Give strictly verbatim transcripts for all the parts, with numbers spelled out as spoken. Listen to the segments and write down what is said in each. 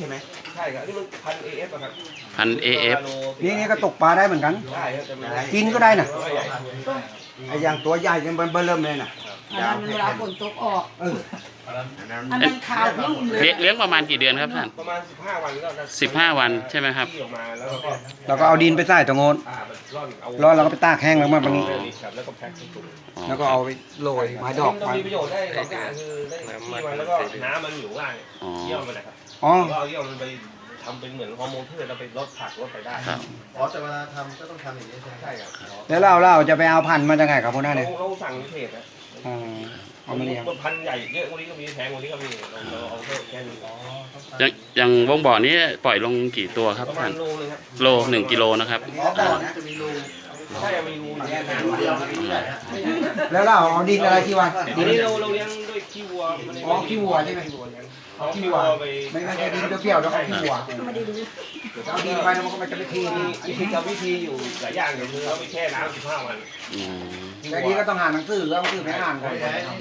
ช่ไหมใช่ครับนี่มันพันเอฟครับพันเอฟนี่นี่ก็ตกปลาได้เหมือนกันได้ครับแต่ไม่กินก็ได้นะใหญ่ไอ้อย่างตัวใหญ่เนี่ยมันเบิ่มเลยน่ะอันนั้นเวลาฝนตกออกเอออันนั้นขาวนุ่มเลเลี้ยยงเลี้ยงประมาณกี่เดือนครับท่านประมาณสิบห้าวันก็จะสิบห้าวันใช่ไหมครับที่ออกมาแล้วก็เราก็เอาดินไปใส่ตรงโน้นอ่ามันร่อนเอาร้อนเราก็ไปตากแห้งแล้วมาตรงนี้ครับแล้วก็แพ็คถุงอ๋อแล้วก็เอาไปโรยไม้ดอกต้อไปงมีประโยชน์ได้หลายอย่างคือได้ที่มันแล้วก็น้ำมันอยู่ล่างอ๋อเยี่ยมมันนะครับอ๋อแล้วเอาเยี่ยมมันไปทำเป็นเหมือนฮอร์โมนพืชเราไปลดผักลดไปได้ครับอ๋อแต่เวลาทำก็ต้องทำอย่างนี้ใช่ไหมใช่ครับแล้วเราเราจะไปเอาพันธุ์มาจากไหนครับพวกนั้นเราเนี่ยเราสั่งในเพจนะอ๋อเอามาเลี้ยงพันธุ์ใหญ่เยอะกว่านี้ก็มีแพงกว่านี้ก็มีเราเราเอาแค่นี้อย่างอย่างวงบ่อนี้ปล่อยลงกี่ตัวครับประมาท่าณนโลนึงครับโลหนึ่งกิโลนะครับอ๋อก่อนนะจะมีรูใช่มีรูอยู่รูเดียวมีใหญ่ฮะแล้วเราเอาดินอะไรที่วางทีนี้เราเราเลี้ยงด้วยขี้วัวอ๋อขี้วัวใช่ไหมขี้วัวเลี้ยงเอาขี้วัวไม่ไม่ใช่ดินเปรี้ยวๆแล้วเอาขี้วัวเอาดินไปแล้วมันก็มันจะไปเทมีนี่วิธีกับวิธีอยู่หลายอย่างเดี๋ยวคือเราไปแช่น้ำสิบห้าวันอืมแต่นี้ก็ต้องอ่านหนังสือแล้วหนังสือไม่อ่านก่อน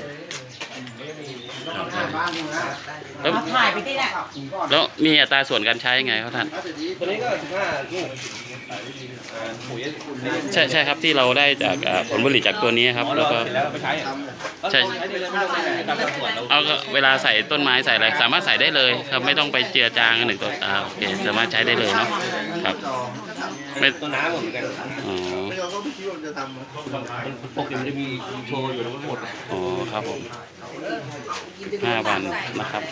ต้องอ่านบ้างนะแล้วมาถ่ายไปที่แหละแล้วมีอัตราส่วนการใช้ยังไงครับท่านตัวนี้ก็สิบห้าลูกปุ๋ยใช่ใช่ครับที่เราได้จากอ่าผลผลิตจากตัวนี้ครับแล้วก็เสร็จแล้วเราไปใช้ใช่ใช้ได้เลยไม่ต้องไปตามส่วนเราเอาก็เวลาใส่ต้นไม้ใส่อะไรสามารถใส่ได้เลยครับไม่ต้องไปเจือจางกันหนึ่งตัวอ่าโอเคสามารถใช้ได้เลยเนาะครับไม่ตัวน้ำเหมือนกันอ๋อไม่เราก็ไม่คิดว่าจะทำมันปกติมันจะมีโชว์อยู่ทั้งหมดอ๋อครับผมห้าวันนะครับ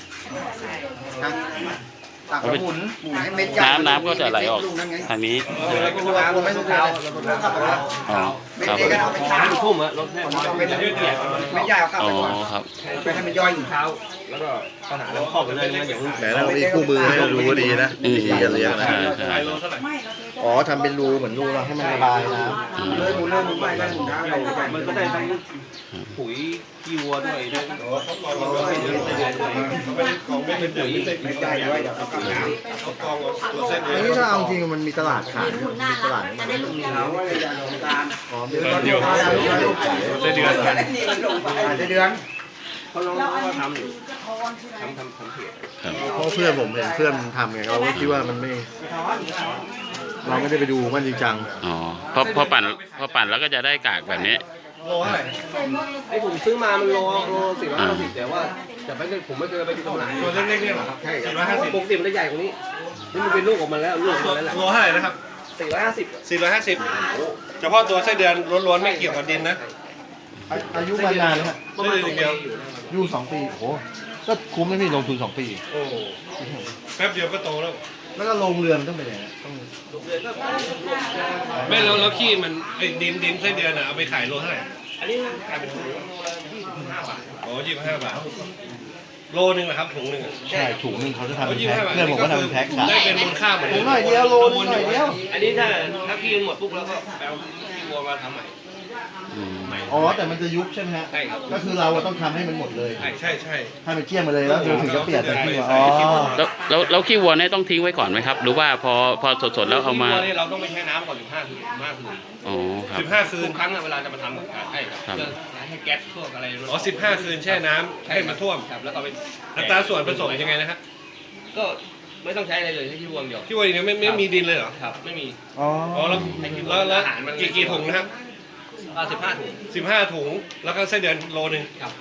ตักหมุนหมุนให้เม็ดใหญ่น้ำน้ำก็จะไหลออกทางนี้เราก็น้ำไม่ต้องเท้าอ๋อเม็ดครับเล็กก็เอาไปช้ามันทุ่มอะรถแค่มันต้องเป็นเม็ดใหญ่เม็ดใหญ่เอากลับอ๋อไปก่อนครับไปให้มันย่อยอีกเท้าแล้วก็ปัญหาเราเข้าไปเลยมันอย่างนี้แต่เรามีคู่มือให้เราดูก็ดีนะอืมวิธีการเลี้ยงนะใช่ใช่อ๋อทำเป็นรูเหมือนรูเราให้มันระบายน้ำอืมเลยหมุนเลยหมุนไปเลยหมุนเท้าเลยมันก็ได้ทั้งปุ๋ยขี้วัวด้วยได้ทั้งไม่เดือดไม่เดือดเลยของไม่เป็นปุ๋ยเม็ดใหญ่ด้วยเดี๋ยวเอากลับน้อันนี้ถ้าเอาจริงมันมีตลาดขายหมุนหน้าตลาดจะได้ลูกำเราก็เลยจะลงตาลอ๋อเดี๋ยวเดี๋ยวเดี๋ยวได้เดือนกันอาจจะเดือนเขาลองว่าทำอยู่ทำทำทำเพจครับเพราะเพื่อนผมเห็นเพื่อนทำไงเราก็คิดว่ามันไม่ เราไม่ได้ไปดูมันจริงจังอ๋อพอพอปั่นพอปั่นแล้วก็จะได้กากแบบนี้โลเท่าไหร่ไอ้ผมซื้อมามันโลโลสี่ร้อยห้าสิบแต่ว่าแต่ไม่เคยผมไม่เคยไปที่ตลาดตัวเล็กๆเนี่ยหรอครับใช่สี่ร้อยห้าสิบปกติมันจะใหญ่กว่านี้นี่มันเป็นลูกออกมาแล้วลูกออกมาแล้วแหละโลเท่าไหร่นะครับสี่ร้อยห้าสิบสี่ร้อยห้าสิบเฉพาะตัวไส้เดือนล้วนๆไม่เกี่ยวกับดินนะอายุมันนานนะฮะประมาณสองปีอยู่นะอายุสองปีโอ้โหก็คุ้มนะพี่ลงทุนสองปีโอ้แป๊บเดียวก็โตแล้วแล้วก็ลงเรือนต้องไปไหนอะต้องลูกเดือนก็ไม่แล้วแล้วขี้มันไอ้ดินดินไส้เดือนอ่ะเอาไปขายโลเท่าไหร่อันนี้กลายเป็นถุงโลละยี่สิบห้าบาทโอ้ยี่สิบห้าบาทโลนึงเหรอครับถุงหนึ่งอะใช่ถุงหนึงเขาจะทำโอ้เป็นยี่สิแพ็บคห้าบาทเพื่อนผมก็ทำเป็นแพ็คขายได้เป็นมูลค่าเหมือนถุงหน่อยเดียวโลนึงหน่อยเดียวอันนี้ถ้าถ้าพี่หมดปุ๊บแล้วก็แปลที่วัวมาทำใหม่อืมอ๋อแต่มันจะยุบใช่ไหมฮะใช่ครับก็คือเราอะต้องทำให้มันหมดเลยใช่ใช่ใช่ให้มันเกลี้ยงมาเลยแล้วเดี๋ยวถึงจะเปลี่ยนเป็นที่ว่าอ๋อแล้วแล้วแล้วขี้วัวเนี่ยต้องทิ้งไว้ก่อนไหมครับ หรือว่าพอพอสดๆแล้วเอามาที่วัวนี่เราต้องไปแช่น้ำก่อนสิบห้าคืนสิบห้าคืนอ๋อครับสิบห้าคืทุนกครั้งอะเวลาจะมาทำกับการให้ครับครับเพื่อให้แก๊สพวกอะไรอ๋อสิบห้าคืนแช่น้ำให้มันท่วมครับแล้วก็ไปอัตราส่วนผสมยังไงนะฮะก็ไม่ต้องใช้อะไรเลยใช้ที่วัวอย่างเดียวที่ว่าอย่างนี้ไม่ไม่มีดินเลยเหรอครับไม่มีอ๋ออ๋อแล้วแล้วแล้วอาหารมันกี่กี่ถุงนะครับสิบห้าถุงสิบห้าถุงแล้วก็ไส้เดือนโลนึงครับ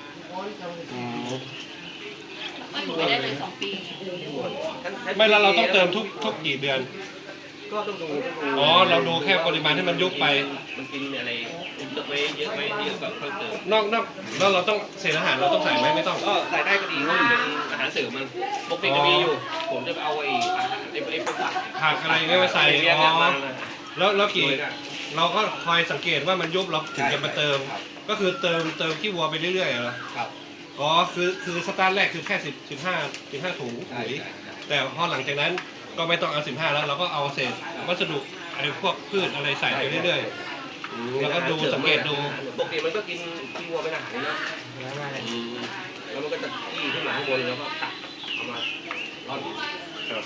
มันอยู่ได้เลยสองปีไม่แล้วเราต้องเติมทุกทุกกี่เดือนก็ต้องดูต้องดูอ๋อเราดูแค่ปริมาณที่มันยุบไปมันกินอะไรเยอะไหมเยอะไหมเยอะแบบเพิ่มเติมนอกนอกแล้วเราต้องเศษอาหารเราต้องใส่ไหมไม่ต้องก็ใส่ได้ก็ดีเพราะมันเป็นอาหารเสริมมันปกติจะมีอยู่ ผมจะไปเอาไอ้อาหารไอ้ไอ้พวกผักผักอะไรเงี้ยมาใส่เรียกอ๋อมาแล้วแล้วกี่เราก็คอยสังเกตว่ามันยุบเราถึงจะมาเติม ก็คือเติมเติมขี้วัวไปเรื่อยๆเหรอครับอ๋อคือคือสตาร์ทแรกคือแค่สิบสิบห้าสิบห้าถุงใช่ปุ๋ยใช่แต่พอหลังจากนั้นก็ไม่ต้องเอาสิบห้าแล้วเราก็เอาเศษวัสดุไอ้พวกพืชอะไรใส่ไปเรื่อยๆแล้วก็ดูสังเกตดูปกติมันก็กินขี้วัวเป็นอาหารนะแล้วมันก็จะขี้ขึ้นมาข้างบนแล้วก็ตักเอามาร่อนครับ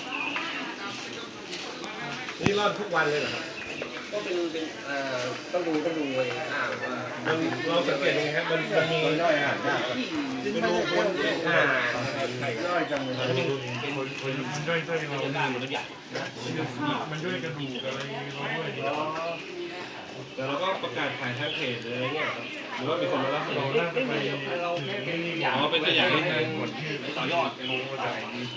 นี่รอดทุกวันเลยเหรอครับก็เป็นเป็นเอ่อต้องดูต้องดูเลยอ่าว่ามันเราสังเกตยังไงครับมันมันมีย่อยอ่ะไม่รู้คนอ่าย่อยจังเลยมันย่อยตัวเรามันย่อยกระดูกอะไรเราด้วยแต่เราก็ประกาศขายทางเพจหรืออะไรเงี้ยหรือว่ามีคนมารับเราได้ไปอ๋อเป็นตัวอย่างให้ทางต่อยอดลงมาจาก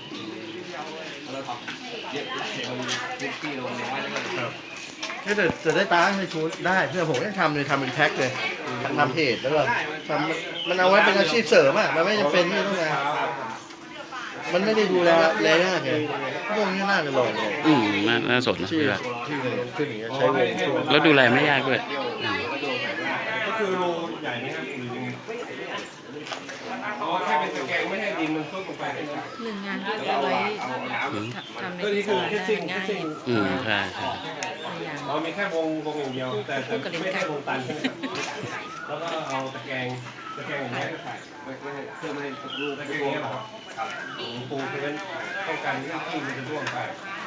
แต่แต่ได้ตังค์ในชุดได้เพื่อผมยังทำเลยทำเป็นแพ็คเลยทำเพจแล้วก็ทำมันเอาไว้เป็นอาชีพเสริมอ่ะมันไม่จำเป็นที่ต้องงานมันไม่ได้ดูแลเลยยากเลยพวกนี้น่าจะลองเลยอืมน่าน่าสนนะที่พี่ว่าที่ขึ้นอย่างเงี้ยใช้วงช่วงแล้วดูแลไม่ยากด้วยอืมก็คือรูใหญ่ไหมครับหรือยังไงอ๋อแค่เป็นตะแกรงไม่ให้ดินมันซุกลงไปหนึ่งงานที่เอาไว้ทำในก็นี่คือแค่ซิ่งแค่ง่ายซิ่งอืมใช่ใช่อ๋อมีแค่วงวงอย่างเดียวแต่แต่ไม่ใช่วงตันแล้วก็เอาตะแกรงตะแกรงอย่างเงี้ยใส่ไม่ไม่เพื่อไม่ให้รูตะแกรงเงี้ยหรอครับปูคือเป็นต้องการที่ที่มันจะร่วงไป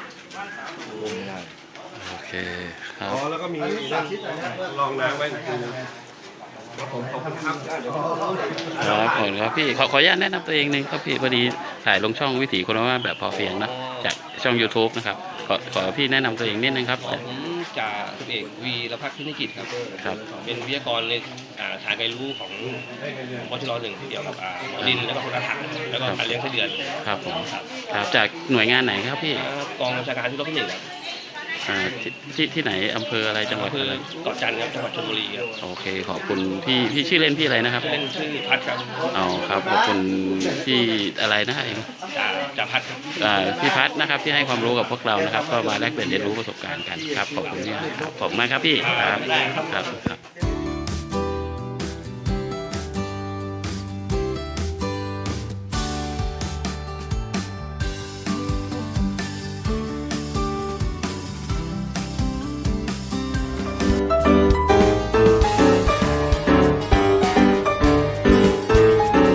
โอเคครัอ๋บอแล้วก็มีลองน้ำไว้ดูผมขอบคุณครับครับขอบคุณครับพี่ขอขออนุญาตแนะนำตัวเองหนึงครับพี่พอดีถ่ายลงช่องวิถีคนว่าแบบพอเพียงนะจากช่อง YouTube นะครับขอขอพี่แนะนำตัวเองนิดนึงครับผมจ่าสิบเอกวีรพัฒน์พินิกิจครับครับเป็นวิทยากรในอ่าฐานการรู้ของวชรหนึ่งเกี่ยวกับอ่าหมอดินแล้วก็คนอาหารแล้วก็การเลี้ยงไส้เดือนครับผมครับจากหน่วยงานไหนครับพี่อ่ากองบัญชาการที่รบที่หนึ่งครับอ่าที่ที่ที่ไหนอำเภออะไรจังหวัดคืออะไรเกาะจันทร์ครับจังหวัดชลบุรีครับโอเคขอบคุณพี่พี่ชื่อเล่นพี่อะไรนะครับเล่นชื่อพัดครับอ๋อครับขอบคุณพี่อะไรนะเองจ่าจ่าพัดครับอ่าพี่พัฒน์นะครับที่ให้ความรู้กับพวกเรานะครับ ก็มาแลกเปลี่ยนเรียนรู้ประสบการณ์กันครับขอบคุณที่ครับขอบคุณมากครับพี่ครับครับครับ